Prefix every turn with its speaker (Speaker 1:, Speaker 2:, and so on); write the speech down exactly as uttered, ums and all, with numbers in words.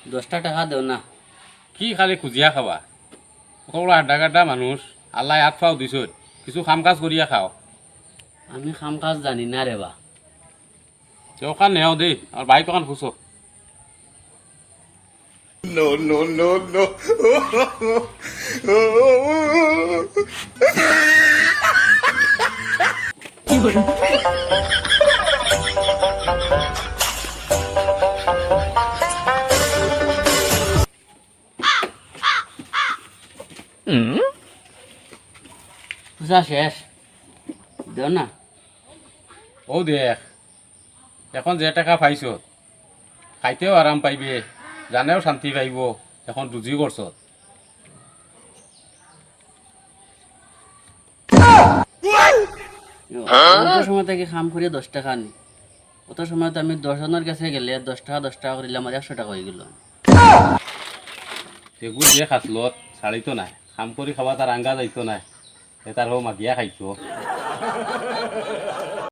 Speaker 1: দশটা টাকা দেও না।
Speaker 2: কি খালি খুজিয়া খাবা সকলো আধা গাধা মানুষ আল্লাহ হাত ফাও দিছ কিছু কাম কাজ করিয়া খাও
Speaker 1: আমি কাম কাজ জানি না রে বা।
Speaker 2: ওখান নেও দেই আর বাইক ওখান খুঁজো
Speaker 3: No, no, no, no.
Speaker 1: পূজা শেষ, দেও না।
Speaker 2: ও দেখ এখন যে টাকা পাইছ খাইতেও আরাম পাইবে জানেও শান্তি পাইব এখন রুজি করছ
Speaker 1: অত সময় থেকে কাম করিয়া দশ টাকা নি, অত সময় তো আমি দশ জনের কাছে গেলে দশ টাকা দশ টাকা করিলে আমার একশো টাকা হয়ে গেল।
Speaker 2: সেগুলো যে খাসলত ছাড়িতো নাই কাম কৰি খাবা তার আঙ্গা যাইতো নাই তার হো মাগিয়া খাইছো